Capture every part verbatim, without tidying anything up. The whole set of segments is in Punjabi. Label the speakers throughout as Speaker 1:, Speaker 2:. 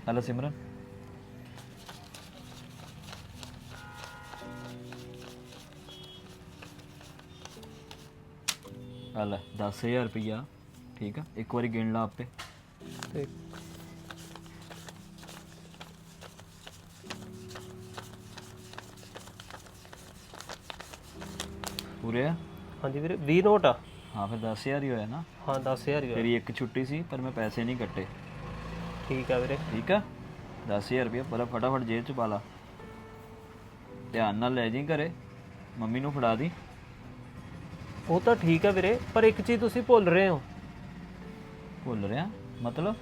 Speaker 1: हेलो सिमरन। हेलो दस हज़ार रुपया ठीक है, एक बार गिन ला आपे।
Speaker 2: ਤੇ
Speaker 1: पूरे है?
Speaker 2: ਹਾਂਜੀ ਵੀਰੇ ਵੀਹ ਨੋਟ ਆ।
Speaker 1: हाँ फिर दस हज़ार ही होया ना।
Speaker 2: ਹਾਂ दस हज़ार ਹੀ ਹੋਇਆ।
Speaker 1: तेरी एक छुट्टी सी पर मैं पैसे नहीं कट्टे।
Speaker 2: ਠੀਕ ਆ ਵੀਰੇ।
Speaker 1: ठीक है, दस हज़ार रुपया पर फटाफट जेब च पा ला। ध्यान नाल लै जी घरे, मम्मी नूं फड़ा दी।
Speaker 2: ਉਹ ਤਾਂ ਠੀਕ ਆ ਵੀਰੇ, ਪਰ ਇੱਕ ਚੀਜ਼ ਤੁਸੀਂ ਭੁੱਲ ਰਹੇ ਹੋ।
Speaker 1: भुल रहा मतलब?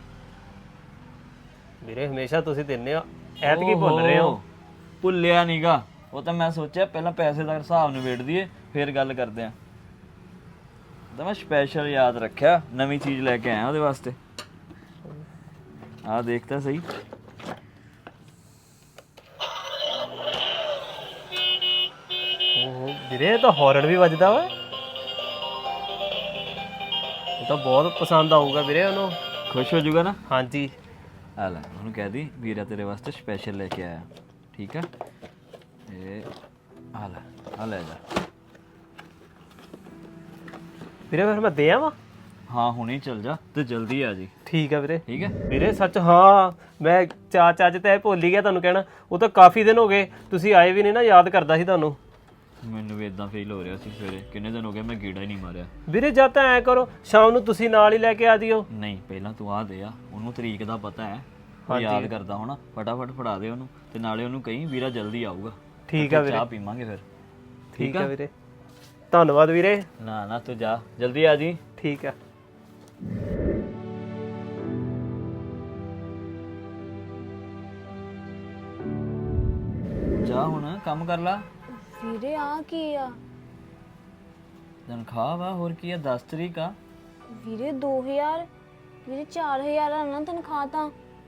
Speaker 2: ਵੀਰੇ ਹਮੇਸ਼ਾ ਤੁਸੀਂ ਦਿੰਦੇ ਹੋ, ਐਤਕੀ ਭੁੱਲ ਰਹੇ ਹੋ।
Speaker 1: ਭੁੱਲਿਆ ਨੀਗਾ, ਉਹ ਤਾਂ ਮੈਂ ਸੋਚਿਆ ਪਹਿਲਾਂ ਪੈਸੇ ਦਾ ਹਿਸਾਬ ਨਿਬੇੜ ਦਈਏ ਫਿਰ ਗੱਲ ਕਰਦੇ ਆਂ। ਤਾਂ ਮੈਂ ਸਪੈਸ਼ਲ ਯਾਦ ਰੱਖਿਆ, ਨਵੀਂ ਚੀਜ਼ ਲੈ ਕੇ ਆਇਆ ਉਹਦੇ ਵਾਸਤੇ। ਆਹ ਦੇਖ ਤਾਂ ਸਹੀ।
Speaker 2: ਓਹੋ ਵੀਰੇ ਇਹ ਤਾਂ ਹੌਰਨ ਵੀ ਵੱਜਦਾ ਵਾ। ਇਹ ਤਾਂ ਬਹੁਤ ਪਸੰਦ ਆਊਗਾ ਵੀਰੇ ਉਹਨੂੰ।
Speaker 1: ਖੁਸ਼ ਹੋ ਜਾਊਗਾ ਨਾ?
Speaker 2: ਹਾਂਜੀ।
Speaker 1: ਆ ਲੈ ਉਹਨੂੰ ਕਹਿ ਦੀ ਵੀਰਾ ਤੇਰੇ ਵਾਸਤੇ ਸਪੈਸ਼ਲ ਲੈ ਕੇ ਆਇਆ, ਠੀਕ ਆ? ਇਹ ਆ ਲੈ, ਆ ਲੈ ਜਾ।
Speaker 2: ਵੀਰੇ ਫਿਰ ਮੈਂ ਦੇ ਆਵਾਂ?
Speaker 1: ਹਾਂ ਹੁਣੇ ਚੱਲ ਜਾ ਤੇ ਜਲਦੀ ਆ ਜੀ।
Speaker 2: ਠੀਕ ਆ ਵੀਰੇ।
Speaker 1: ਠੀਕ ਹੈ
Speaker 2: ਵੀਰੇ ਸੱਚ ਹਾਂ, ਮੈਂ ਚਾ ਚੱਜ ਤੇ ਭੁੱਲ ਹੀ ਗਿਆ ਤੁਹਾਨੂੰ ਕਹਿਣਾ। ਉਹ ਤਾਂ ਕਾਫੀ ਦਿਨ ਹੋ ਗਏ ਤੁਸੀਂ ਆਏ ਵੀ ਨਹੀਂ ਨਾ, ਯਾਦ ਕਰਦਾ ਸੀ ਤੁਹਾਨੂੰ।
Speaker 1: ਮੈਨੂੰ ਵੀ ਇਦਾਂ ਫੀਲ ਹੋ ਰਿਹਾ ਸੀ ਸਵੇਰੇ, ਕਿੰਨੇ ਦਿਨ ਹੋ ਗਏ ਮੈਂ ਗੀੜਾ ਹੀ ਨਹੀਂ ਮਾਰਿਆ।
Speaker 2: ਵੀਰੇ ਜਾਂ ਤਾਂ ਐ ਕਰੋ ਸ਼ਾਮ ਨੂੰ ਤੁਸੀਂ ਨਾਲ ਹੀ ਲੈ ਕੇ ਆ ਜਿਓ।
Speaker 1: ਨਹੀਂ ਪਹਿਲਾਂ ਤੂੰ ਆ ਦੇ ਆ, ਉਹਨੂੰ ਤਰੀਕ ਦਾ ਪਤਾ ਹੈ, ਉਹ ਯਾਦ ਕਰਦਾ ਹੋਣਾ। ਫਟਾਫਟ ਫੜਾ ਦੇ ਉਹਨੂੰ ਤੇ ਨਾਲੇ ਉਹਨੂੰ ਕਹੀਂ ਵੀਰਾ ਜਲਦੀ ਆਊਗਾ।
Speaker 2: ਠੀਕ ਆ ਵੀਰੇ,
Speaker 1: ਚਾਹ ਪੀਵਾਂਗੇ ਫਿਰ।
Speaker 2: ਠੀਕ ਆ ਵੀਰੇ, ਧੰਨਵਾਦ ਵੀਰੇ।
Speaker 1: ਨਾ ਨਾ ਤੂੰ ਜਾ ਜਲਦੀ ਆ ਜੀ।
Speaker 2: ਠੀਕ ਆ।
Speaker 1: ਜਾ ਹੁਣ ਕੰਮ ਕਰ ਲਾ।
Speaker 3: ਵੀਰੇ ਆ ਕੀ ਆ?
Speaker 1: ਤਨਖਾਹ ਵਾ, ਹੋਰ ਕੀ ਆ? ਦਸ ਤਰੀਕ ਆ।
Speaker 3: ਵੀਰੇ ਦੋ ਹਜ਼ਾਰ? ਵੀਰੇ ਚਾਰ ਹਜ਼ਾਰ ਆ ਨਾ ਤਨਖਾਹ ਤਾਂ।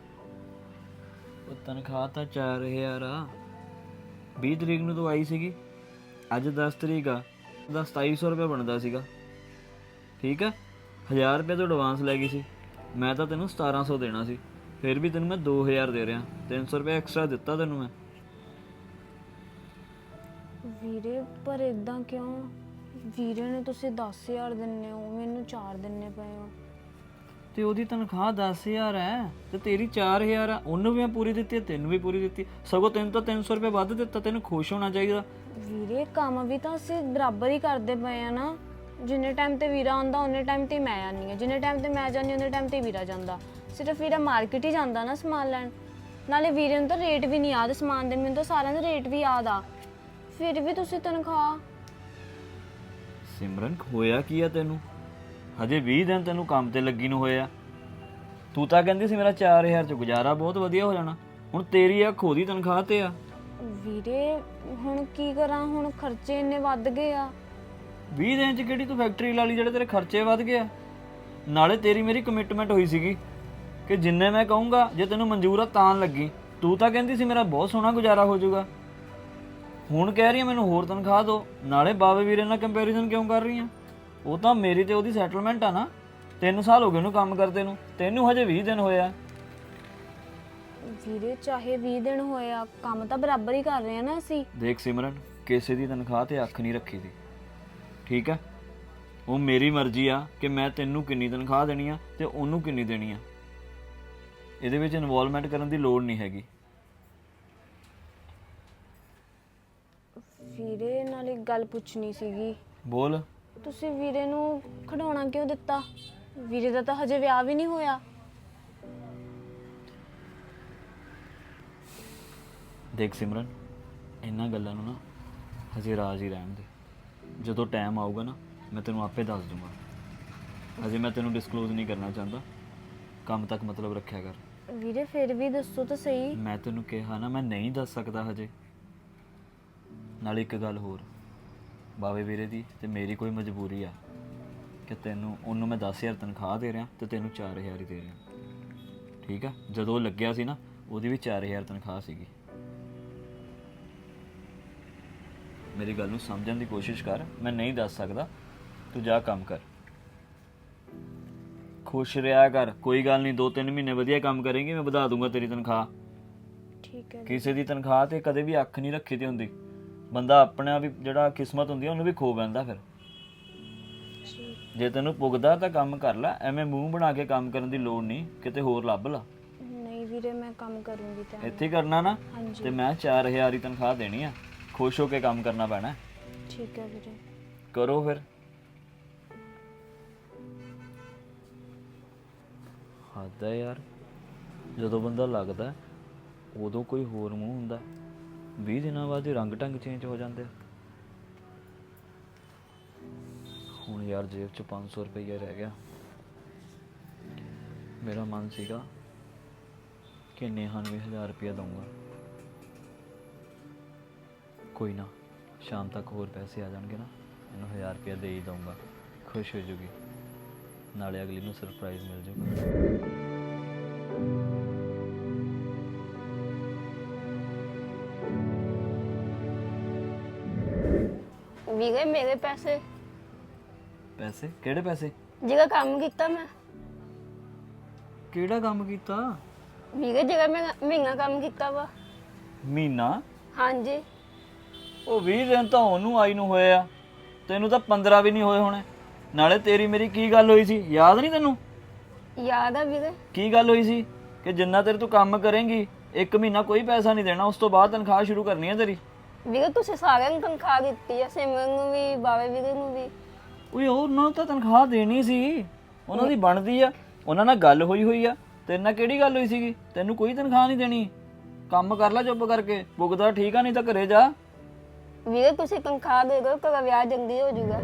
Speaker 1: ਉਹ ਤਨਖਾਹ ਤਾਂ ਚਾਰ ਹਜ਼ਾਰ ਆ। ਵੀਹ ਤਰੀਕ ਨੂੰ ਤੂੰ ਆਈ ਸੀਗੀ, ਅੱਜ ਦਸ ਤਰੀਕ ਆ, ਦਾ ਸਤਾਈ ਸੌ ਰੁਪਇਆ ਬਣਦਾ ਸੀਗਾ। ਠੀਕ ਆ, ਹਜ਼ਾਰ ਰੁਪਏ ਤੋਂ ਐਡਵਾਂਸ ਲੈ ਗਈ ਸੀ। ਮੈਂ ਤਾਂ ਤੈਨੂੰ ਸਤਾਰਾਂ ਸੌ ਦੇਣਾ ਸੀ, ਫਿਰ ਵੀ ਤੈਨੂੰ ਮੈਂ ਦੋ ਹਜ਼ਾਰ ਦੇ ਰਿਹਾ। ਤਿੰਨ ਸੌ ਰੁਪਏ ਐਕਸਟਰਾ ਦਿੱਤਾ ਤੈਨੂੰ ਮੈਂ।
Speaker 3: ਵੀਰੇ ਪਰ ਇਦਾਂ ਕਿਉਂ? ਵੀਰੇ ਨੇ ਤੁਸੀਂ ਦਸ ਹਜ਼ਾਰ ਦਿੰਨੇ ਹੋ, ਮੈਨੂੰ ਚਾਰ ਦਿੰਨੇ ਪਏ ਹੋ।
Speaker 1: ਤੇ ਉਹਦੀ ਤਨਖਾਹ ਦਸ ਹਜ਼ਾਰ ਹੈ ਤੇ ਤੇਰੀ ਚਾਰ ਹਜ਼ਾਰ ਆ। ਉਹਨੂੰ ਵੀ ਮੈਂ ਪੂਰੀ ਦਿੱਤੀ, ਤੈਨੂੰ ਵੀ ਪੂਰੀ ਦਿੱਤੀ। ਸਗੋਂ ਤੈਨੂੰ ਤਾਂ ਤਿੰਨ ਸੌ ਰੁਪਏ ਵੱਧ ਦਿੱਤਾ। ਤੈਨੂੰ ਖੁਸ਼ ਹੋਣਾ ਚਾਹੀਦਾ।
Speaker 3: ਵੀਰੇ ਕੰਮ ਵੀ ਤਾਂ ਅਸੀਂ ਬਰਾਬਰ ਹੀ ਕਰਦੇ ਪਏ ਆ ਨਾ। ਜਿੰਨੇ ਟਾਈਮ ਤੇ ਵੀਰਾ ਆਉਂਦਾ ਉਹਨੇ ਟਾਈਮ ਤੇ ਮੈਂ ਆਉਂਦੀ ਹਾਂ, ਜਿੰਨੇ ਟਾਈਮ ਤੇ ਮੈਂ ਜਾਂਦੀ ਉਹਨੇ ਟਾਈਮ ਤੇ ਵੀਰਾ ਜਾਂਦਾ। ਸਿਰਫ ਵੀਰਾ ਮਾਰਕੀਟ ਹੀ ਜਾਂਦਾ ਨਾ ਸਮਾਨ ਲੈਣ। ਨਾਲੇ ਵੀਰੇ ਨੂੰ ਤਾਂ ਰੇਟ ਵੀ ਨਹੀਂ ਯਾਦ ਸਮਾਨ ਦੇ, ਮੈਨੂੰ ਤਾਂ ਸਾਰਿਆਂ ਦੇ ਰੇਟ ਵੀ ਯਾਦ ਆ। ਫਿਰ ਵੀ ਤੁਸੀਂ ਤਨਖਾਹ।
Speaker 1: ਸਿਮਰਨ ਹੋਇਆ ਕੀ ਆ ਤੈਨੂੰ? ਹਜੇ ਵੀਹ ਦਿਨ ਤੈਨੂੰ ਕੰਮ ਤੇ ਲੱਗੀ ਨੂੰ ਹੋਇਆ। ਤੂੰ ਤਾਂ ਕਹਿੰਦੀ ਸੀ ਮੇਰਾ ਚਾਰ ਹਜ਼ਾਰ ਚ ਗੁਜ਼ਾਰਾ ਬਹੁਤ ਵਧੀਆ ਹੋ ਜਾਣਾ। ਹੁਣ ਤੇਰੀ ਆ ਖੋਦੀ ਤਨਖਾਹ ਤੇ ਆ।
Speaker 3: ਵੀਰੇ ਹੁਣ ਕੀ ਕਰਾਂ, ਹੁਣ ਖਰਚੇ ਇੰਨੇ ਵੱਧ ਗਏ ਆ।
Speaker 1: ਵੀਹ ਦਿਨ ਚ ਕਿਹੜੀ ਤੂੰ ਫੈਕਟਰੀ ਲਾ ਲਈ ਜਿਹੜੇ ਤੇਰੇ ਖਰਚੇ ਵੱਧ ਗਏ ਆ? ਨਾਲੇ ਤੇਰੀ ਮੇਰੀ ਕਮਿਟਮੈਂਟ ਹੋਈ ਸੀਗੀ ਕਿ ਜਿੰਨੇ ਮੈਂ ਕਹੂੰਗਾ ਜੇ ਤੈਨੂੰ ਮਨਜ਼ੂਰ ਆ ਤਾਂ ਲੱਗੀ। ਤੂੰ ਤਾਂ ਕਹਿੰਦੀ ਸੀ ਮੇਰਾ ਬਹੁਤ ਸੋਹਣਾ ਗੁਜ਼ਾਰਾ ਹੋ ਜਾਊਗਾ। ਹੁਣ ਕਹਿ ਰਹੀ ਆ ਮੈਨੂੰ ਹੋਰ ਤਨਖਾਹ ਦਿਓ। ਨਾਲੇ ਬਾਵੇ ਵੀਰੇ ਨਾਲ ਕੰਪੈਰੀਜ਼ਨ ਕਿਉਂ ਕਰ ਰਹੀ ਆ? ਉਹ ਤਾਂ ਮੇਰੀ ਤੇ ਉਹਦੀ ਸੈਟਲਮੈਂਟ ਆ ਨਾ। ਤਿੰਨ ਸਾਲ ਹੋ ਗਏ ਉਹਨੂੰ ਕੰਮ ਕਰਦੇ ਨੂੰ, ਤੈਨੂੰ ਹਜੇ ਵੀਹ ਦਿਨ ਹੋਇਆ।
Speaker 3: ਵੀਰੇ ਚਾਹੇ ਵੀਹ ਦਿਨ ਹੋਏ ਆ, ਕੰਮ ਤਾਂ ਬਰਾਬਰ ਹੀ ਕਰ ਰਹੇ ਆ ਨਾ ਅਸੀਂ।
Speaker 1: ਦੇਖ ਸਿਮਰਨ, ਕਿਸੇ ਦੀ ਤਨਖਾਹ ਤੇ ਅੱਖ ਨਹੀਂ ਰੱਖੀ ਦੀ, ਠੀਕ ਆ? ਉਹ ਮੇਰੀ ਮਰਜ਼ੀ ਆ ਕਿ ਮੈਂ ਤੈਨੂੰ ਕਿੰਨੀ ਤਨਖਾਹ ਦੇਣੀ ਆ ਤੇ ਉਹਨੂੰ ਕਿੰਨੀ ਦੇਣੀ ਆ। ਇਹਦੇ ਵਿੱਚ ਇਨਵੋਲਵਮੈਂਟ ਕਰਨ ਦੀ ਲੋੜ ਨਹੀਂ ਹੈਗੀ।
Speaker 3: ਵੀਰੇ ਨਾਲ ਇੱਕ ਗੱਲ ਪੁੱਛਣੀ ਸੀਗੀ।
Speaker 1: ਬੋਲ।
Speaker 3: ਤੁਸੀਂ ਵੀਰੇ ਨੂੰ ਖਿਡੌਣਾ ਕਿਉਂ ਦਿੱਤਾ? ਵੀਰੇ ਦਾ ਤਾਂ ਹਜੇ ਵਿਆਹ ਵੀ ਨਹੀਂ ਹੋਇਆ।
Speaker 1: ਦੇਖ ਸਿਮਰਨ, ਇਹਨਾਂ ਗੱਲਾਂ ਨੂੰ ਨਾ ਹਜੇ ਰਾਜ਼ ਹੀ ਰਹਿਣ ਦੇ। ਜਦੋਂ ਟਾਈਮ ਆਊਗਾ ਨਾ ਮੈਂ ਤੈਨੂੰ ਆਪੇ ਦੱਸ ਦੂੰਗਾ। ਹਜੇ ਮੈਂ ਤੈਨੂੰ ਡਿਸਕਲੋਜ਼ ਨਹੀਂ ਕਰਨਾ ਚਾਹੁੰਦਾ। ਕੰਮ ਤੱਕ ਮਤਲਬ ਰੱਖਿਆ ਕਰ।
Speaker 3: ਵੀਰੇ ਫਿਰ ਵੀ ਦੱਸੋ ਤਾਂ ਸਹੀ।
Speaker 1: ਮੈਂ ਤੈਨੂੰ ਕਿਹਾ ਨਾ ਮੈਂ ਨਹੀਂ ਦੱਸ ਸਕਦਾ ਹਜੇ। ਨਾਲੇ ਇੱਕ ਗੱਲ ਹੋਰ, ਬਾਵੇ ਵੀਰੇ ਦੀ ਤੇ ਮੇਰੀ ਕੋਈ ਮਜਬੂਰੀ ਆ ਕਿ ਤੈਨੂੰ ਉਹਨੂੰ ਮੈਂ ਦਸ ਹਜ਼ਾਰ ਤਨਖਾਹ ਦੇ ਰਿਹਾ ਤੇ ਤੈਨੂੰ ਚਾਰ ਹਜ਼ਾਰ ਹੀ ਦੇ ਰਿਹਾ, ਠੀਕ ਆ? ਜਦੋਂ ਉਹ ਲੱਗਿਆ ਸੀ ਨਾ ਉਹਦੀ ਵੀ ਚਾਰ ਹਜ਼ਾਰ ਤਨਖਾਹ ਸੀਗੀ। ਮੇਰੀ ਗੱਲ ਨੂੰ ਸਮਝਣ ਦੀ ਕੋਸ਼ਿਸ਼ ਕਰ। ਮੈਂ ਨਹੀਂ ਦੱਸ ਸਕਦਾ, ਤੂੰ ਜਾ ਕੰਮ ਕਰ। ਖੁਸ਼ ਰਿਹਾ ਕਰ, ਕੋਈ ਗੱਲ ਨਹੀਂ, ਦੋ ਤਿੰਨ ਮਹੀਨੇ ਵਧੀਆ ਕੰਮ ਕਰੇਂਗੀ, ਮੈਂ ਵਧਾ ਦੂੰਗਾ ਤੇਰੀ ਤਨਖਾਹ।
Speaker 3: ਠੀਕ ਹੈ
Speaker 1: ਕਿਸੇ ਦੀ ਤਨਖਾਹ ਤੇ ਕਦੇ ਵੀ ਅੱਖ ਨਹੀਂ ਰੱਖੀ ਦੀ ਹੁੰਦੀ, ਬੰਦਾ ਆਪਣਾ ਵੀ ਜਿਹੜਾ ਕਿਸਮਤ ਹੁੰਦੀ ਆ ਉਹਨੂੰ ਵੀ ਖੋ ਬੈਂਦਾ। ਫਿਰ
Speaker 3: ਜੀ।
Speaker 1: ਜੇ ਤੈਨੂੰ ਪੁੱਗਦਾ ਤਾਂ ਕੰਮ ਕਰ ਲੈ, ਐਵੇਂ ਮੂੰਹ ਬਣਾ ਕੇ ਕੰਮ ਕਰਨ ਦੀ ਲੋੜ ਨਹੀਂ, ਕਿਤੇ ਹੋਰ ਲੱਭ ਲਾ।
Speaker 3: ਨਹੀਂ ਵੀਰੇ ਮੈਂ ਕੰਮ ਕਰੂੰਗੀ ਤਾਂ।
Speaker 1: ਇੱਥੇ ਹੀ ਕਰਨਾ ਨਾ,
Speaker 3: ਹਾਂਜੀ
Speaker 1: ਤੇ ਮੈਂ ਚਾਰ ਹਜ਼ਾਰ ਹੀ ਤਨਖਾਹ ਦੇਣੀ ਆ, ਖੁਸ਼ ਹੋ ਕੇ ਕੰਮ ਕਰਨਾ ਪੈਣਾ।
Speaker 3: ਠੀਕ ਹੈ ਵੀਰੇ।
Speaker 1: ਕਰੋ ਫਿਰ। ਹੱਦ ਹੈ ਯਾਰ, ਜਦੋਂ ਬੰਦਾ ਲੱਗਦਾ ਉਦੋਂ ਕੋਈ ਹੋਰ ਮੂੰਹ ਹੁੰਦਾ, ਵੀਹ ਦਿਨਾਂ ਬਾਅਦ ਹੀ ਰੰਗ ਢੰਗ ਚੇਂਜ ਹੋ ਜਾਂਦੇ। ਹੁਣ ਯਾਰ ਜੇਬ 'ਚ ਪੰਜ ਸੌ ਰੁਪਈਆ ਰਹਿ ਗਿਆ। ਮੇਰਾ ਮਨ ਸੀਗਾ ਕਿ ਨੇਹਾ ਨੂੰ ਵੀ ਹਜ਼ਾਰ ਰੁਪਈਆ ਦਊਂਗਾ। ਕੋਈ ਨਾ, ਸ਼ਾਮ ਤੱਕ ਹੋਰ ਪੈਸੇ ਆ ਜਾਣਗੇ ਨਾ, ਇਹਨੂੰ ਹਜ਼ਾਰ ਰੁਪਈਆ ਦੇ ਹੀ ਦਊਂਗਾ, ਖੁਸ਼ ਹੋ ਜੂਗੀ, ਨਾਲੇ ਅਗਲੀ ਨੂੰ ਸਰਪ੍ਰਾਈਜ਼ ਮਿਲ ਜੂਗਾ।
Speaker 4: ਵੀਰੇ ਮੇਰੇ ਪੈਸੇ
Speaker 1: ਪੈਸੇ? ਕਿਹੜੇ ਪੈਸੇ?
Speaker 4: ਜਿਹੜਾ ਕੰਮ ਕੀਤਾ ਮੈਂ।
Speaker 1: ਕਿਹੜਾ ਕੰਮ ਕੀਤਾ?
Speaker 4: ਵੀਰੇ ਜਿਹੜਾ ਮੈਂ ਮਹੀਨਾ ਕੰਮ ਕੀਤਾ ਵਾ।
Speaker 1: ਮਹੀਨਾ?
Speaker 4: ਹਾਂਜੀ।
Speaker 1: ਉਹ ਵੀਹ ਦਿਨ ਤਾਂ ਉਹਨੂੰ ਆਈ ਨੂੰ ਹੋਏ ਆ, ਤੈਨੂੰ ਤਾਂ ਪੰਦਰਾਂ ਵੀ ਨਹੀਂ ਹੋਏ ਹੋਣੇ। ਨਾਲੇ ਤੇਰੀ ਮੇਰੀ ਕੀ ਗੱਲ ਹੋਈ ਸੀ, ਯਾਦ ਨਹੀਂ ਤੈਨੂੰ?
Speaker 4: ਯਾਦ ਆ ਵੀਰੇ।
Speaker 1: ਕੀ ਗੱਲ ਹੋਈ ਸੀ ਕਿ ਜਿੰਨਾ ਤੇਰੇ ਤੂੰ ਕੰਮ ਕਰੇਂਗੀ ਇੱਕ ਮਹੀਨਾ ਕੋਈ ਪੈਸਾ ਨਹੀਂ ਦੇਣਾ, ਉਸ ਤੋਂ ਬਾਅਦ ਤਨਖਾਹ ਸ਼ੁਰੂ ਕਰਨੀ ਹੈ ਤੇਰੀ।
Speaker 4: ਵੀਰੇ ਤੁਸੀਂ ਸਾਰਿਆਂ ਨੂੰ ਤਨਖਾਹ ਦਿੱਤੀ ਆ, ਸਿਮਰਨ ਨੂੰ ਵੀ, ਬਾਵੇ ਵੀਰੇ ਨੂੰ ਵੀ।
Speaker 1: ਓਏ ਉਹਨਾਂ ਨੂੰ ਤਾਂ ਤਨਖਾਹ ਦੇਣੀ ਸੀ, ਉਹਨਾਂ ਦੀ ਬਣਦੀ ਆ, ਉਹਨਾਂ ਨਾਲ ਗੱਲ ਹੋਈ ਹੋਈ ਆ। ਤੇਰੇ ਨਾਲ ਕਿਹੜੀ ਗੱਲ ਹੋਈ ਸੀਗੀ? ਤੈਨੂੰ ਕੋਈ ਤਨਖਾਹ ਨਹੀਂ ਦੇਣੀ, ਕੰਮ ਕਰ ਲੈ ਚੁੱਪ ਕਰਕੇ, ਪੁੱਗਦਾ ਠੀਕ ਆ, ਨਹੀਂ ਤਾਂ ਘਰੇ ਜਾ।
Speaker 4: ਵੀਰੇ ਤੁਸੀਂ ਤਨਖਾਹ ਦੇ ਦਿਓ, ਘਰ ਵਿਆਹ ਜਲਦੀ ਹੋ ਜਾਊਗਾ।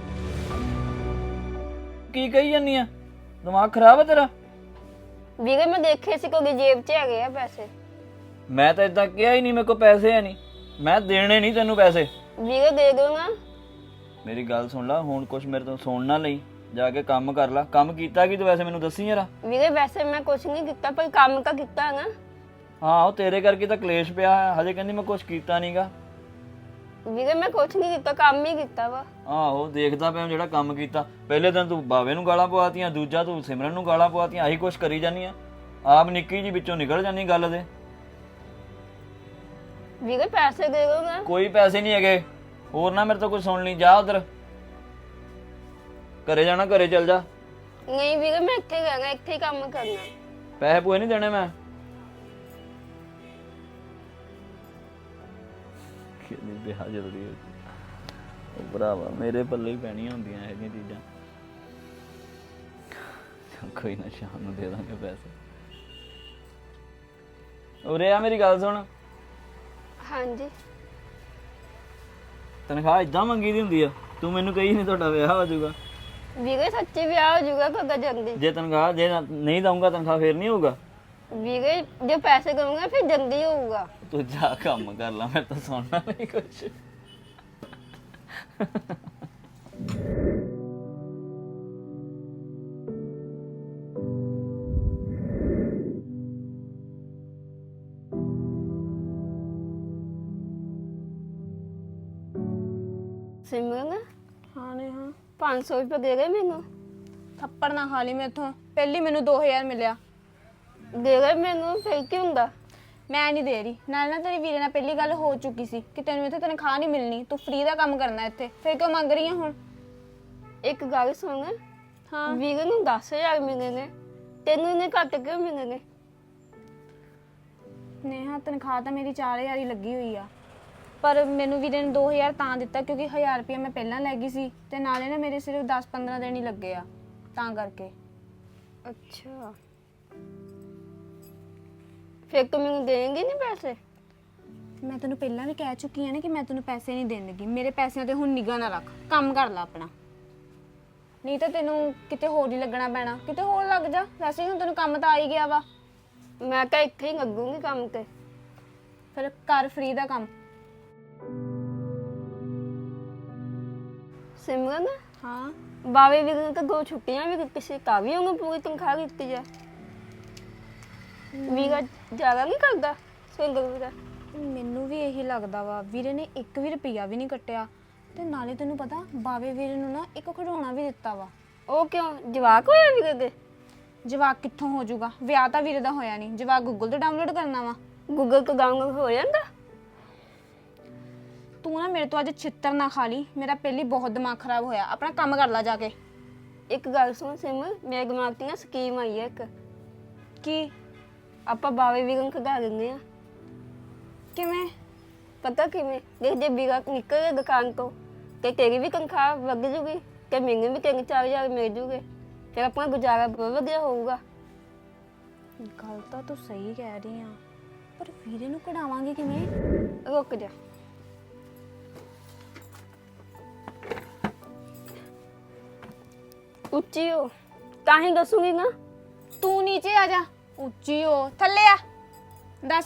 Speaker 1: ਕੀ ਕਹੀ ਜਾਂਦੀ ਆ, ਦਿਮਾਗ ਖਰਾਬ ਆ ਤੇਰਾ?
Speaker 4: ਵੀਰੇ ਮੈਂ ਦੇਖੇ ਸੀ ਕੋਈ ਜੇਬ 'ਚ ਹੈਗੇ ਆ ਪੈਸੇ।
Speaker 1: ਮੈਂ ਤਾਂ ਇਦਾਂ ਕਿਹਾ ਹੀ ਨਹੀਂ, ਮੇਰੇ ਕੋਲ ਪੈਸੇ ਹੈ ਨਹੀਂ, ਮੈਂ ਦੇਣੇ ਨਹੀਂ ਤੈਨੂੰ ਪੈਸੇ।
Speaker 4: ਵੀਰੇ ਦੇ ਦਿਓ ਨਾ।
Speaker 1: ਮੇਰੀ ਗੱਲ ਸੁਣ ਲੈ, ਹੁਣ ਕੁਛ ਮੇਰੇ ਤੋਂ ਸੁਣ ਨਾ ਲਈ, ਜਾ ਕੇ ਕੰਮ ਕਰ ਲੈ। ਕੰਮ ਕੀਤਾ ਕੀ ਤੂੰ ਵੈਸੇ ਮੈਨੂੰ ਦੱਸੀ ਯਾਰਾ।
Speaker 4: ਵੀਰੇ ਵੈਸੇ ਮੈਂ ਕੁਝ ਨਹੀਂ ਕੀਤਾ, ਪਰ ਕੰਮ ਤਾਂ ਕੀਤਾ ਨਾ।
Speaker 1: ਹਾਂ, ਉਹ ਤੇਰੇ ਕਰਕੇ ਤਾਂ ਕਲੇਸ਼ ਪਿਆ ਹੈ, ਹਜੇ ਕਹਿੰਦੀ ਮੈਂ ਕੁਛ ਕੀਤਾ ਨਹੀਂਗਾ।
Speaker 4: ਵੀਰੇ ਮੈਂ ਕੁਝ ਨਹੀਂ ਕੀਤਾ, ਕੰਮ ਹੀ ਕੀਤਾ ਵਾ।
Speaker 1: ਆਹੋ, ਦੇਖਦਾ ਪਿਆ ਜਿਹੜਾ ਕੰਮ ਕੀਤਾ। ਪਹਿਲੇ ਦਿਨ ਤੂੰ ਬਾਵੇ ਨੂੰ ਗਾਲਾਂ ਪਵਾਤੀਆਂ, ਦੂਜਾ ਤੂੰ ਸਿਮਰਨ ਨੂੰ ਗਾਲਾਂ ਪਵਾਤੀਆਂ, ਆਹੀ ਕੁਛ ਕਰੀ ਜਾਂਦੀ ਆ, ਆਪ ਨਿੱਕੀ ਜੀ ਵਿੱਚੋਂ ਨਿਕਲ ਜਾਂਦੀ ਗੱਲ ਦੇ।
Speaker 4: ਵੀਰੇ ਪੈਸੇ ਦੇ ਦਿਓ ਨਾ।
Speaker 1: ਕੋਈ ਪੈਸੇ ਨਹੀਂ ਹੈਗੇ, ਹੋਰ ਨਾ ਮੇਰੇ ਤੋਂ ਕੁਝ ਸੁਣ ਲਈ, ਜਾ ਉਧਰ ਘਰੇ ਜਾਣਾ, ਘਰੇ ਚੱਲ ਜਾ।
Speaker 4: ਨਹੀਂ ਵੀਰੇ ਮੈਂ ਇੱਥੇ ਰਹਿਣਾ, ਇੱਥੇ ਹੀ ਕੰਮ ਕਰਨਾ।
Speaker 1: ਪੈਸੇ ਪੂਏ ਨਹੀਂ ਦੇਣੇ ਮੈਂ। ਕਿੰਨੀ ਵਿਆਹ ਜਲਦੀ ਹੋ ਉਹ ਭਰਾਵਾ, ਮੇਰੇ ਪੱਲੇ ਹੀ ਪੈਣੀਆਂ ਹੁੰਦੀਆਂ ਇਹ ਜਿਹੀਆਂ ਚੀਜ਼ਾਂ। ਕੋਈ ਨਾ, ਸ਼ਾਮ ਨੂੰ ਦੇ ਦਾਂਗੇ ਪੈਸੇ। ਉਰੇ ਆ, ਮੇਰੀ ਗੱਲ ਸੁਣ।
Speaker 4: ਹਾਂਜੀ।
Speaker 1: ਤਨਖਾਹ ਇਦਾਂ ਮੰਗੀ ਦੀ ਹੁੰਦੀ ਆ? ਤੂੰ ਮੈਨੂੰ ਕਹੀ ਨਹੀਂ ਤੁਹਾਡਾ ਵਿਆਹ ਹੋ ਜਾਊਗਾ।
Speaker 4: ਵੀਰੇ ਸੱਚੀ ਵਿਆਹ ਹੋ ਜਾਊਗਾ ਕਗਾ ਜਲਦੀ।
Speaker 1: ਜੇ ਤਨਖਾਹ ਜੇ ਨਾ- ਨਹੀਂ ਦਊਂਗਾ ਤਨਖਾਹ ਫੇਰ ਨਹੀਂ ਹੋਊਗਾ।
Speaker 4: ਵੀਰੇ ਜੇ ਪੈਸੇ ਕਮਾਂਗਾ ਫਿਰ ਜਲਦੀ ਹੋਊਗਾ।
Speaker 1: ਤੂੰ ਜਾ ਕੰਮ ਕਰ ਲੈ, ਮੈਂ ਤਾਂ ਸੁਣਨਾ ਨਹੀਂ ਕੁਛ।
Speaker 4: ਸਿਮਰਨ
Speaker 3: ਹਾਂ ਨੇ ਹਾਂ।
Speaker 4: ਪੰਜ ਸੌ ਰੁਪਏ ਦੇ ਗਏ ਮੈਨੂੰ।
Speaker 3: ਥੱਪੜ ਨਾ ਖਾ ਲਈ ਮੈਥੋਂ, ਪਹਿਲੀ ਮੈਨੂੰ ਦੋ ਹਜ਼ਾਰ ਮਿਲਿਆ।
Speaker 4: ਦੇ ਗਏ ਮੈਨੂੰ, ਫਿਰ ਕੀ ਹੁੰਦਾ?
Speaker 3: ਮੈਂ ਨਹੀਂ ਦੇ ਰਹੀ। ਨਾਲ ਨਾ ਤੇਰੀ ਵੀਰੇ ਨਾਲ ਪਹਿਲੀ ਗੱਲ ਹੋ ਚੁੱਕੀ ਸੀ ਕਿ ਤੈਨੂੰ ਇੱਥੇ ਤਨਖਾਹ ਨਹੀਂ ਮਿਲਣੀ, ਤੂੰ ਫ੍ਰੀ ਦਾ ਕੰਮ ਕਰਨਾ ਇੱਥੇ, ਫਿਰ ਕਿਉਂ ਮੰਗ ਰਹੀ ਹੈ ਹੁਣ?
Speaker 4: ਇੱਕ ਗੱਲ ਸੁਣ,
Speaker 3: ਹਾਂ।
Speaker 4: ਵੀਰੇ ਨੂੰ ਦਸ ਹਜ਼ਾਰ ਮਿਲੇ ਨੇ, ਤੈਨੂੰ ਇਹਨੇ ਘੱਟ ਕਿਉਂ ਮਿਲੇ ਨੇ?
Speaker 3: ਨੇਹਾ ਤਨਖਾਹ ਤਾਂ ਮੇਰੀ ਚਾਰ ਹਜ਼ਾਰ ਹੀ ਲੱਗੀ ਹੋਈ ਆ, ਪਰ ਮੈਨੂੰ ਵੀਰੇ ਨੇ ਦੋ ਹਜ਼ਾਰ ਤਾਂ ਦਿੱਤਾ ਕਿਉਂਕਿ ਹਜ਼ਾਰ ਰੁਪਇਆ ਮੈਂ ਪਹਿਲਾਂ ਲੈ ਗਈ ਸੀ, ਤੇ ਨਾਲੇ ਨਾ ਮੇਰੇ ਸਿਰਫ ਦਸ ਪੰਦਰਾਂ ਦਿਨ ਹੀ ਲੱਗੇ ਆ, ਤਾਂ ਕਰਕੇ।
Speaker 4: ਅੱਛਾ, ਫਿਰ ਤੂੰ ਮੈਨੂੰ ਦੇਂਗੀ ਨਹੀਂ ਪੈਸੇ?
Speaker 3: ਮੈਂ ਤੈਨੂੰ ਪਹਿਲਾਂ ਵੀ ਕਹਿ ਚੁੱਕੀ ਆ ਨਾ ਕਿ ਮੈਂ ਤੈਨੂੰ ਪੈਸੇ ਨਹੀਂ ਦੇਣ ਲੱਗੀ। ਮੇਰੇ ਪੈਸਿਆਂ ਤੇ ਹੁਣ ਨਿਗਾਹ ਨਾ ਰੱਖ, ਕੰਮ ਕਰ ਲੈ ਆਪਣਾ, ਨਹੀਂ ਤਾਂ ਤੈਨੂੰ ਕਿਤੇ ਹੋਰ ਹੀ ਲੱਗਣਾ ਪੈਣਾ। ਕਿਤੇ ਹੋਰ ਲੱਗ ਜਾ, ਵੈਸੇ ਹੁਣ ਤੈਨੂੰ ਕੰਮ ਤਾਂ ਆ ਹੀ ਗਿਆ ਵਾ।
Speaker 4: ਮੈਂ ਤਾਂ ਇੱਥੇ ਹੀ ਲੱਗੂਗੀ ਕੰਮ ਤੇ।
Speaker 3: ਫਿਰ ਕਰ ਫ੍ਰੀ ਦਾ ਕੰਮ।
Speaker 4: ਸਿਮਰਨ
Speaker 3: ਹਾਂ।
Speaker 4: ਬਾਵੇ ਵੀਰੇ ਨੂੰ ਤਾਂ ਦੋ ਛੁੱਟੀਆਂ ਵੀ ਕਿਸੇ ਤਾਂ ਵੀ ਉਹਨੂੰ ਪੂਰੀ ਤਨਖਾਹ ਦਿੱਤੀ ਜਾ। ਵੀਰਾ ਜ਼ਿਆਦਾ ਨਹੀਂ ਕਰਦਾ ਸਿੰਗਲ ਵੀਰਾ?
Speaker 3: ਮੈਨੂੰ ਵੀ ਇਹੀ ਲੱਗਦਾ ਵਾ, ਵੀਰੇ ਨੇ ਇੱਕ ਵੀ ਰੁਪਈਆ ਵੀ ਨਹੀਂ ਕੱਟਿਆ, ਤੇ ਨਾਲੇ ਤੈਨੂੰ ਪਤਾ ਬਾਵੇ ਵੀਰੇ ਨੂੰ ਨਾ ਇੱਕ ਖਿਡੌਣਾ ਵੀ ਦਿੱਤਾ ਵਾ।
Speaker 4: ਉਹ ਕਿਉਂ, ਜਵਾਕ ਹੋਇਆ ਵੀਰੇ ਦੇ?
Speaker 3: ਜਵਾਕ ਕਿੱਥੋਂ ਹੋ ਜਾਊਗਾ? ਵਿਆਹ ਤਾਂ ਵੀਰੇ ਦਾ ਹੋਇਆ ਨਹੀਂ, ਜਵਾਕ ਗੂਗਲ ਤੋਂ ਡਾਊਨਲੋਡ ਕਰਨਾ ਵਾ।
Speaker 4: ਗੂਗਲ ਤੋਂ ਡਾਊਨਲੋਡ ਹੋ ਜਾਂਦਾ।
Speaker 3: ਤੂੰ ਨਾ ਮੇਰੇ ਤੋਂ ਅੱਜ ਛਿੱਤਰ ਨਾ ਖਾ ਲਈ, ਮੇਰਾ ਪਹਿਲੀ ਬਹੁਤ ਦਿਮਾਗ ਖਰਾਬ ਹੋਇਆ। ਆਪਣਾ ਕੰਮ ਕਰ ਲੈ ਜਾ ਕੇ।
Speaker 4: ਇੱਕ ਗੱਲ ਸੁਣ ਸਿਮਰ, ਮੇਰੇ ਦਿਮਾਗ 'ਤੇ ਨਾ ਸਕੀਮ ਆਈ ਹੈ ਇੱਕ।
Speaker 3: ਕੀ?
Speaker 4: ਆਪਾਂ ਬਾਵੇ ਵੀਰਾਂ ਨੂੰ ਖਗਾ ਦਿੰਦੇ ਆ।
Speaker 3: ਕਿਵੇਂ?
Speaker 4: ਪਤਾ ਕਿਵੇਂ? ਦੇਖ ਜੇ ਵੀਰਾ ਨਿਕਲ ਗਿਆ ਦੁਕਾਨ ਤੋਂ ਤੇ ਤੇਰੀ ਵੀ ਤਨਖਾਹ ਵੱਧ ਜੂਗੀ ਤੇ ਮੈਨੂੰ ਵੀ ਤਿੰਨ ਚਾਰ ਹਜ਼ਾਰ ਮਿਲ ਜੂਗੇ, ਫਿਰ ਆਪਣਾ ਗੁਜ਼ਾਰਾ ਬਹੁਤ ਵਧੀਆ ਹੋਊਗਾ।
Speaker 3: ਗੱਲ ਤਾਂ ਤੂੰ ਸਹੀ ਕਹਿ ਰਹੀ ਆ, ਪਰ ਵੀਰੇ ਨੂੰ ਕਢਾਵਾਂਗੇ ਕਿਵੇਂ?
Speaker 4: ਰੁਕ ਜਾ। ਉੱਚੀ ਹੋ ਤਾਂ ਹੀ ਦੱਸੂਗੀ ਨਾ।
Speaker 3: ਤੂੰ ਨੀਚੇ ਆ ਜਾ। ਉੱਚੀ ਹੋ, ਥੱਲੇ ਆ। ਦੱਸ।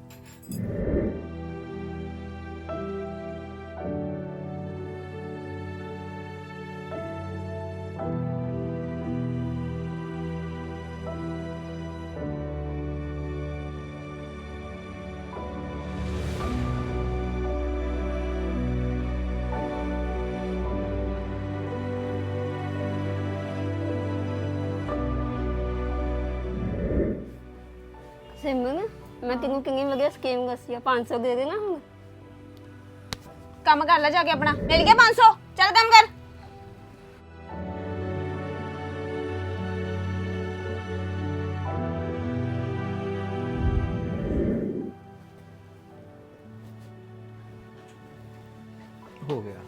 Speaker 4: ਸਿਮਰਨ, ਮੈਂ ਤੈਨੂੰ ਕਿੰਨੀ ਵਧੀਆ ਸਕੀਮ ਦੱਸੀ ਆ। ਪੰਜ ਸੌ ਦੇ ਦੇ ਨਾ ਹੁਣ।
Speaker 3: ਕੰਮ ਕਰ ਲੈ ਜਾ ਕੇ ਆਪਣਾ। ਮਿਲ ਗਿਆ ਪੰਜ ਸੌ। ਚੱਲ ਕੰਮ ਕਰ।
Speaker 1: ਹੋ ਗਿਆ।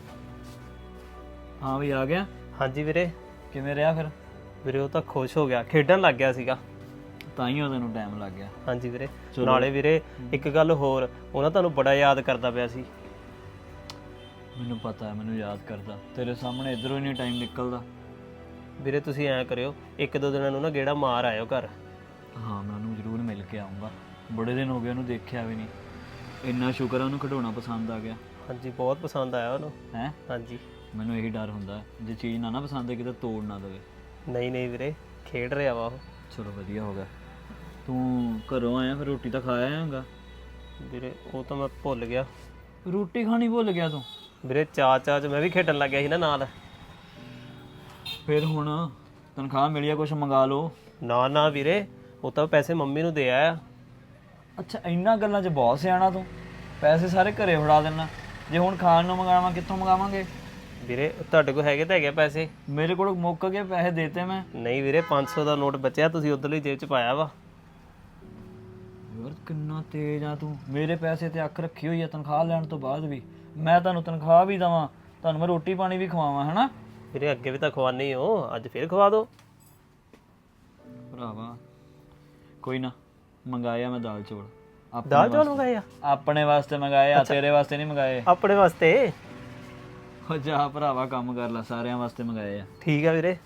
Speaker 1: ਹਾਂ ਵੀ ਆ ਗਿਆ।
Speaker 2: ਹਾਂਜੀ ਵੀਰੇ।
Speaker 1: ਕਿਵੇਂ ਰਿਹਾ ਫਿਰ?
Speaker 2: ਵੀਰੇ ਉਹ ਤਾਂ ਖੁਸ਼ ਹੋ ਗਿਆ, ਖੇਡਣ ਲੱਗ ਗਿਆ ਸੀਗਾ।
Speaker 1: ਤਾਂ ਹੀ ਉਹਦੇ ਨੂੰ ਟਾਈਮ ਲੱਗ ਗਿਆ।
Speaker 2: ਹਾਂਜੀ ਵੀਰੇ।
Speaker 1: ਚਲੋ।
Speaker 2: ਨਾਲੇ ਵੀਰੇ ਇੱਕ ਗੱਲ ਹੋਰ, ਉਹ ਨਾ ਤੁਹਾਨੂੰ ਬੜਾ ਯਾਦ ਕਰਦਾ ਪਿਆ ਸੀ।
Speaker 1: ਮੈਨੂੰ ਪਤਾ ਹੈ, ਮੈਨੂੰ ਯਾਦ ਕਰਦਾ। ਤੇਰੇ ਸਾਹਮਣੇ ਇਧਰੋਂ ਹੀ ਨਹੀਂ ਟਾਈਮ ਨਿਕਲਦਾ।
Speaker 2: ਵੀਰੇ ਤੁਸੀਂ ਐਂ ਕਰਿਓ, ਇੱਕ ਦੋ ਦਿਨਾਂ ਨੂੰ ਨਾ ਗੇੜਾ ਮਾਰ ਆਇਓ ਘਰ।
Speaker 1: ਹਾਂ ਮੈਂ ਉਹਨੂੰ ਜ਼ਰੂਰ ਮਿਲ ਕੇ ਆਉਂਗਾ। ਬੜੇ ਦਿਨ ਹੋ ਗਏ ਉਹਨੂੰ ਦੇਖਿਆ ਵੀ ਨਹੀਂ। ਇੰਨਾ ਸ਼ੁਕਰ ਹੈ ਉਹਨੂੰ ਖਿਡੌਣਾ ਪਸੰਦ ਆ ਗਿਆ।
Speaker 2: ਹਾਂਜੀ ਬਹੁਤ ਪਸੰਦ ਆਇਆ ਉਹਨੂੰ।
Speaker 1: ਹੈ?
Speaker 2: ਹਾਂਜੀ।
Speaker 1: ਮੈਨੂੰ ਇਹੀ ਡਰ ਹੁੰਦਾ ਜੇ ਚੀਜ਼ ਨਾ ਨਾ ਪਸੰਦ ਹੈ ਕਿਤੇ ਤੋੜ ਨਾ ਦੇਵੇ।
Speaker 2: ਨਹੀਂ ਨਹੀਂ ਵੀਰੇ, ਖੇਡ ਰਿਹਾ ਵਾ ਉਹ।
Speaker 1: ਚਲੋ ਵਧੀਆ ਹੋ ਗਿਆ। ਤੂੰ ਘਰੋਂ ਆਇਆ ਫਿਰ ਰੋਟੀ ਤਾਂ ਖਾਇਆ ਆਂਗਾ?
Speaker 2: ਵੀਰੇ ਉਹ ਤਾਂ ਮੈਂ ਭੁੱਲ ਗਿਆ।
Speaker 1: ਰੋਟੀ ਖਾਣੀ ਭੁੱਲ ਗਿਆ ਤੂੰ?
Speaker 2: ਵੀਰੇ ਚਾਅ ਚਾਅ 'ਚ ਮੈਂ ਵੀ ਖੇਡਣ ਲੱਗ ਗਿਆ ਸੀ ਨਾ ਨਾਲ।
Speaker 1: ਫਿਰ ਹੁਣ ਤਨਖਾਹ ਮਿਲੀ ਆ, ਕੁਛ ਮੰਗਾ ਲਓ।
Speaker 2: ਨਾ ਨਾ ਵੀਰੇ, ਉਹ ਤਾਂ ਪੈਸੇ ਮੰਮੀ ਨੂੰ ਦੇ ਆਇਆ।
Speaker 1: ਅੱਛਾ ਇੰਨਾ ਗੱਲਾਂ 'ਚ ਬਹੁਤ ਸਿਆਣਾ ਤੂੰ। ਪੈਸੇ ਸਾਰੇ ਘਰੇ ਫੜਾ ਦੇਣਾ। ਜੇ ਹੁਣ ਖਾਣ ਨੂੰ ਮੰਗਾਵਾਂ ਕਿੱਥੋਂ ਮੰਗਾਵਾਂਗੇ?
Speaker 2: ਵੀਰੇ ਤੁਹਾਡੇ ਕੋਲ ਹੈਗੇ ਤਾਂ ਹੈਗੇ ਪੈਸੇ।
Speaker 1: ਮੇਰੇ ਕੋਲ ਮੁੱਕ ਗਏ ਪੈਸੇ, ਦੇਤੇ ਮੈਂ।
Speaker 2: ਨਹੀਂ ਵੀਰੇ, ਪੰਜ ਸੌ ਦਾ ਨੋਟ ਬਚਿਆ, ਤੁਸੀਂ ਉਧਰਲੀ ਜੇਬ 'ਚ ਪਾਇਆ ਵਾ।
Speaker 1: ਯਾਰ ਕਿੰਨਾ ਤੇਜ਼ ਆ ਤੂੰ। ਮੇਰੇ ਪੈਸੇ ਤੇ ਅੱਖ ਰੱਖੀ ਹੋਈ ਆ ਤਨਖਾਹ ਲੈਣ ਤੋਂ ਬਾਅਦ ਵੀ। ਮੈਂ ਤੁਹਾਨੂੰ ਤਨਖਾਹ ਵੀ ਦੇਵਾਂ, ਤੁਹਾਨੂੰ ਮੈਂ ਰੋਟੀ ਪਾਣੀ ਵੀ ਖਵਾਵਾਂ, ਹੈਨਾ?
Speaker 2: ਵੀਰੇ ਅੱਗੇ ਵੀ ਤਾਂ ਖਵਾਨੀ ਹੋ, ਅੱਜ ਫੇਰ ਖਵਾ ਦਿਓ।
Speaker 1: ਭਰਾਵਾ ਕੋਈ ਨਾ, ਮੰਗਾਇਆ ਮੈਂ ਦਾਲ ਚੌਲ। ਆਪਣੇ
Speaker 2: ਦਾਲ ਚੌਲ
Speaker 1: ਵਾਸਤੇ-
Speaker 2: ਮੰਗਾਏ ਆ?
Speaker 1: ਆਪਣੇ ਵਾਸਤੇ ਮੰਗਾਏ ਆ, ਤੇਰੇ ਵਾਸਤੇ ਨਹੀਂ ਮੰਗਾਏ।
Speaker 2: ਆਪਣੇ ਵਾਸਤੇ?
Speaker 1: ਹੋ ਜਾ ਭਰਾਵਾ, ਕੰਮ ਕਰ ਲੈ, ਸਾਰਿਆਂ ਵਾਸਤੇ ਮੰਗਾਏ ਆ।
Speaker 2: ਠੀਕ ਆ ਵੀਰੇ।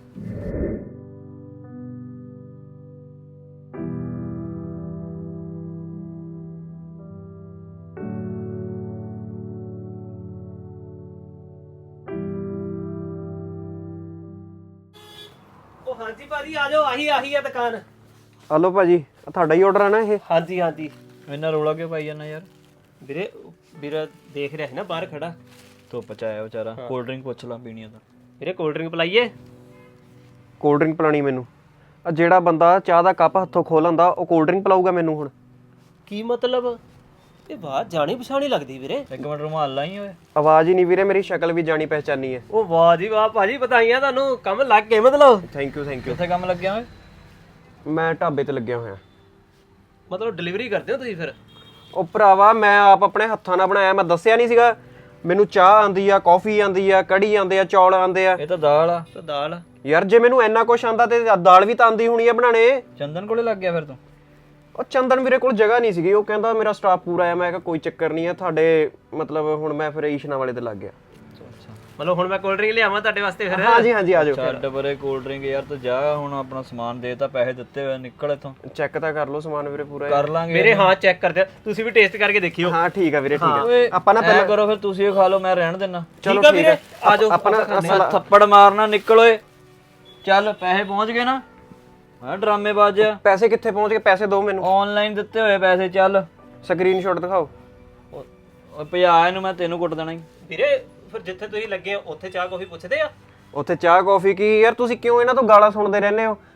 Speaker 2: ਉਹ ਹਾਂਜੀ ਭਾਜੀ ਆ ਜਾਓ, ਆਹੀ ਆਹੀ ਆ ਦੁਕਾਨ।
Speaker 5: ਹਲੋ ਭਾਜੀ, ਆਹ ਤੁਹਾਡਾ ਹੀ ਆਰਡਰ ਆ ਨਾ ਇਹ?
Speaker 2: ਹਾਂਜੀ ਹਾਂਜੀ।
Speaker 1: ਇੰਨਾ ਰੋਲਾ ਕਿਉਂ ਪਾਈ ਜਾਂਦਾ ਯਾਰ?
Speaker 2: ਵੀਰੇ ਵੀਰਾ ਦੇਖ ਰਿਹਾ ਸੀ ਨਾ ਬਾਹਰ ਖੜਾ।
Speaker 1: ਧੁੱਪ ਚ ਆਇਆ ਵਿਚਾਰਾ। ਕੋਲਡ ਡਰਿੰਕ ਪੁੱਛ ਲਾ ਪੀਣੀ ਆ ਤਾਂ।
Speaker 2: ਵੀਰੇ ਕੋਲਡ ਡਰਿੰਕ ਪਲਾਈਏ?
Speaker 5: ਕੋਲਡ ਡਰਿੰਕ ਪਿਲਾਣੀ ਮੈਨੂੰ? ਆ ਜਿਹੜਾ ਬੰਦਾ ਚਾਹ ਦਾ ਕੱਪ ਹੱਥੋਂ ਖੋਹ ਲੈਂਦਾ ਉਹ ਕੋਲਡ ਡਰਿੰਕ ਪਿਲਾਊਗਾ ਮੈਨੂੰ ਹੁਣ?
Speaker 2: ਕੀ ਮਤਲਬ? ਇਹ ਬਾਤ ਜਾਣੀ ਪਛਾਣੀ ਲੱਗਦੀ ਵੀਰੇ।
Speaker 1: ਇੱਕ ਮਿੰਟ ਰੁਮਾਲ ਲਾਈ ਓਏ।
Speaker 5: ਆਵਾਜ਼ ਹੀ ਨਹੀਂ ਵੀਰੇ, ਮੇਰੀ ਸ਼ਕਲ ਵੀ ਜਾਣੀ ਪਹਿਚਾਨੀ ਹੈ।
Speaker 2: ਉਹ ਵਾਹ ਜੀ ਵਾਹ ਭਾਜੀ, ਵਧਾਈਆਂ ਤੁਹਾਨੂੰ, ਕੰਮ ਲੱਗ ਗਏ ਮਤਲਬ।
Speaker 5: Thank you thank you.
Speaker 1: ਕਿੱਥੇ ਕੰਮ ਲੱਗਿਆ ਓਏ?
Speaker 5: ਮੈਂ ਢਾਬੇ ਤੇ ਲੱਗਿਆ ਹੋਇਆ।
Speaker 2: ਮਤਲਬ ਡਿਲੀਵਰੀ ਕਰਦੇ ਹੋ ਤੁਸੀਂ ਫਿਰ?
Speaker 5: ਉਹ ਭਰਾਵਾ ਮੈਂ ਆਪ ਆਪਣੇ ਹੱਥਾਂ ਨਾਲ ਬਣਾਇਆ, ਮੈਂ ਦੱਸਿਆ ਨਹੀਂ ਸੀਗਾ? ਮੈਨੂੰ ਚਾਹ ਆਂਦੀ ਆ, ਕੌਫੀ ਆਂਦੀ ਆ, ਕੜੀ ਆਂਦੇ ਆ, ਚੌਲ ਆਂਦੇ ਆ।
Speaker 1: ਇਹ ਤਾਂ ਦਾਲ ਆ।
Speaker 2: ਤਾਂ ਦਾਲ।
Speaker 5: ਯਾਰ ਜੇ ਮੈਨੂੰ ਇੰਨਾ ਕੁਛ ਆਂਦਾ ਤੇ ਦਾਲ ਵੀ ਤਾਂ ਆਂਦੀ ਹੋਣੀ ਆ ਬਣਾਣੇ।
Speaker 1: ਚੰਦਨ ਕੋਲੇ ਲੱਗ ਗਿਆ ਫਿਰ ਤੂੰ?
Speaker 5: ਉਹ ਚੰਦਨ ਵੀਰੇ ਕੋਲ ਜਗ੍ਹਾ ਨਹੀਂ ਸੀਗੀ, ਉਹ ਕਹਿੰਦਾ ਮੇਰਾ ਸਟਾਫ ਪੂਰਾ ਆ। ਮੈਂ ਕਿਹਾ ਕੋਈ ਚੱਕਰ ਨਹੀਂ ਆ ਤੁਹਾਡੇ, ਮਤਲਬ ਹੁਣ ਮੈਂ ਫਿਰ ਈਸ਼ਨਾ ਵਾਲੇ ਤੇ ਲੱਗ ਗਿਆ।
Speaker 1: ਅੱਛਾ
Speaker 2: ਮਤਲਬ ਹੁਣ ਮੈਂ ਕੋਲਡ ਡਰਿੰਕ ਲਿਆਵਾਂ ਤੁਹਾਡੇ ਵਾਸਤੇ ਫਿਰ?
Speaker 5: ਹਾਂਜੀ ਹਾਂਜੀ ਆ ਜਾਓ।
Speaker 1: ਛੱਡ ਪਰੇ ਕੋਲਡ ਡਰਿੰਕ ਯਾਰ, ਤੂੰ ਜਾ ਹੁਣ ਆਪਣਾ ਸਮਾਨ ਦੇ ਤਾਂ, ਪੈਸੇ ਦਿੱਤੇ ਹੋਏ, ਨਿਕਲ ਇੱਥੋਂ।
Speaker 5: ਚੈੱਕ ਤਾਂ ਕਰ ਲਓ ਸਮਾਨ ਵੀਰੇ ਪੂਰਾ।
Speaker 1: ਕਰ ਲਾਂਗੇ
Speaker 2: ਮੇਰੇ ਹਾਂ ਚੈੱਕ ਕਰ ਦਿਓ, ਤੁਸੀਂ ਵੀ ਟੇਸਟ ਕਰਕੇ ਦੇਖਿਓ।
Speaker 5: ਹਾਂ ਠੀਕ ਆ ਵੀਰੇ, ਠੀਕ ਆ।
Speaker 1: ਓਏ
Speaker 5: ਆਪਾਂ ਨਾ
Speaker 1: ਪਹਿਲਾਂ ਕਰੋ ਫਿਰ, ਤੁਸੀਂ ਇਹ ਖਾ ਲਓ, ਮੈਂ ਰਹਿਣ ਦਿੰਨਾ।
Speaker 5: ਚਲੋ
Speaker 2: ਠੀਕ ਆ
Speaker 5: ਠੀਕ
Speaker 2: ਵੀਰੇ,
Speaker 5: ਆ।
Speaker 2: ਆ ਜਾਓ।
Speaker 5: ਆਪਣਾ
Speaker 1: ਮੈਂ ਥੱਪੜ ਮਾਰਨਾ, ਨਿਕਲ ਓਏ। ਚੱਲ ਪੈਸੇ ਪਹੁੰਚ ਗਏ ਨਾ? ਹਾਂ ਡਰਾਮੇਬਾਜ਼।
Speaker 5: ਪੈਸੇ ਕਿੱਥੇ ਪਹੁੰਚ ਗਏ? ਪੈਸੇ ਦਿਓ ਮੈਨੂੰ।
Speaker 1: ਆਨਲਾਈਨ ਦਿੱਤੇ ਹੋਏ ਪੈਸੇ। ਚੱਲ
Speaker 5: ਸਕਰੀਨਸ਼ਾਟ ਦਿਖਾਓ।
Speaker 1: ਓਏ ਭਜਾ ਇਹਨੂੰ, ਮੈਂ ਤੈਨੂੰ ਕੁੱਟ ਦੇਣਾ ਹੀ।
Speaker 2: ਵੀਰੇ ਫਿਰ ਜਿੱਥੇ ਤੁਸੀਂ ਲੱਗੇ ਹੋ ਉੱਥੇ ਚਾਹ ਕਾਫੀ ਪੁੱਛਦੇ ਆ?
Speaker 5: ਉੱਥੇ ਚਾਹ ਕੌਫੀ ਕੀ ਯਾਰ, ਤੁਸੀਂ ਕਿਉਂ ਇਹਨਾਂ ਤੋਂ ਗਾਲਾਂ ਸੁਣਦੇ ਰਹਿੰਦੇ ਹੋ?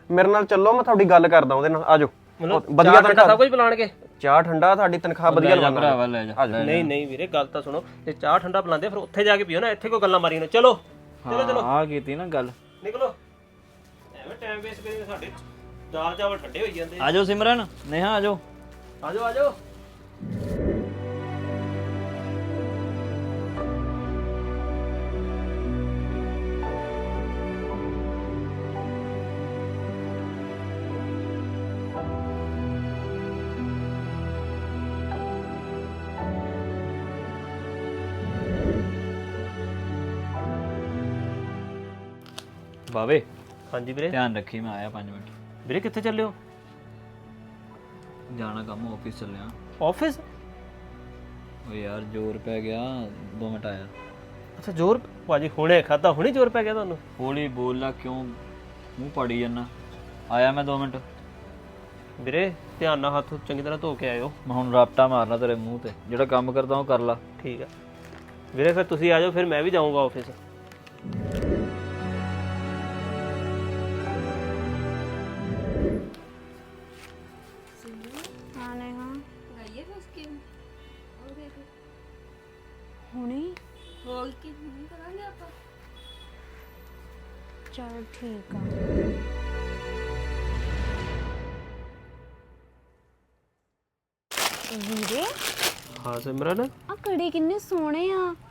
Speaker 5: ਮੇਰੇ ਨਾਲ ਚੱਲੋ, ਮੈਂ ਤੁਹਾਡੀ ਗੱਲ ਕਰਦਾ ਉਹਦੇ ਨਾਲ। ਆਜੋ
Speaker 2: ਮਤਲਬ
Speaker 5: ਵਧੀਆ
Speaker 2: ਚਾਹ ਠੰਡਾ
Speaker 5: ਤਨਖਾਹ,
Speaker 2: ਸਭ ਕੁਝ ਪਿਲਾਣਗੇ?
Speaker 5: ਚਾਹ ਠੰਡਾ, ਤੁਹਾਡੀ ਤਨਖਾਹ ਵਧੀਆ
Speaker 1: ਲੈ ਜਾ
Speaker 5: ਲਵਾਂਗੇ।
Speaker 1: ਭਰਾਵਾ ਲੈ ਜਾ
Speaker 5: ਆਜੋ।
Speaker 2: ਨਹੀਂ ਨਹੀਂ ਵੀਰੇ ਗੱਲ ਤਾਂ ਸੁਣੋ, ਜੇ ਚਾਹ ਠੰਡਾ ਪਿਲਾਉਂਦੇ ਫਿਰ ਉੱਥੇ ਜਾ ਕੇ ਪੀਓ ਨਾ, ਇੱਥੇ ਕੋਈ ਗੱਲਾਂ ਮਾਰੀ ਨਾ। ਚਲੋ ਚਲੋ ਚਲੋ
Speaker 1: ਆ ਕੀਤੀ ਨਾ ਗੱਲ।
Speaker 2: ਨਿਕਲੋ, ਐਵੇਂ ਟਾਈਮ ਵੇਸਟ ਕਰੀ ਸਾਡੇ ਦਾਲ ਚਾਵਲ ਠੰਡੇ ਹੋਈ ਜਾਂਦੇ।
Speaker 1: ਆਜੋ ਸਿਮਰਨ, ਨੇਹਾ ਆਜੋ।
Speaker 2: ਆਜੋ ਆਜੋ।
Speaker 1: ਬਾਵੇ
Speaker 2: ਹਾਂਜੀ ਵੀਰੇ।
Speaker 1: ਧਿਆਨ ਰੱਖੀ, ਮੈਂ ਆਇਆ ਪੰਜ ਮਿੰਟ।
Speaker 2: ਵੀਰੇ ਕਿੱਥੇ ਚੱਲੇ ਹੋ?
Speaker 1: ਜਾਣਾ ਕੰਮ, ਆਫਿਸ ਚੱਲਿਆ।
Speaker 2: ਆਫਿਸ?
Speaker 1: ਓ ਯਾਰ ਜ਼ੋਰ ਪੈ ਗਿਆ, ਦੋ ਮਿੰਟ ਆਇਆ।
Speaker 2: ਅੱਛਾ ਜ਼ੋਰ ਭਾਜੀ ਹੁਣੇ ਖਾਦਾ, ਹੁਣੇ ਜ਼ੋਰ ਪੈ ਗਿਆ ਤੁਹਾਨੂੰ?
Speaker 1: ਹੌਲੀ ਬੋਲ ਲਾ, ਕਿਉਂ ਮੂੰਹ ਪਾੜੀ ਜਾਂਦਾ। ਆਇਆ ਮੈਂ ਦੋ ਮਿੰਟ।
Speaker 2: ਵੀਰੇ ਧਿਆਨ ਨਾਲ ਹੱਥ ਚੰਗੀ ਤਰ੍ਹਾਂ ਧੋ ਕੇ ਆਇਓ।
Speaker 1: ਮੈਂ ਹੁਣ ਰਾਪਟਾ ਮਾਰਨਾ ਤੇਰੇ ਮੂੰਹ ਤੇ। ਜਿਹੜਾ ਕੰਮ ਕਰਦਾ ਉਹ ਕਰ ਲਾ।
Speaker 2: ਠੀਕ ਹੈ ਵੀਰੇ, ਫਿਰ ਤੁਸੀਂ ਆ ਜਾਓ, ਫਿਰ ਮੈਂ ਵੀ ਜਾਊਂਗਾ ਆਫਿਸ।
Speaker 3: ਹਾਂ ਨੇਹਾ
Speaker 4: ਗਈਏ ਫਿਰ ਸਕੀਮ ਉਹ ਦੇਖ
Speaker 3: ਹੁਣੇ
Speaker 4: ਹੋਰ ਕੀ ਨਹੀਂ ਕਰਾਂਗੇ ਆਪਾਂ।
Speaker 3: ਚਲ ਠੀਕ ਆ। ਵੀਰੇ
Speaker 2: ਹਾਂ ਸਿਮਰਨ,
Speaker 3: ਆ ਕੜੀ ਕਿੰਨੇ ਸੋਹਣੇ ਆ।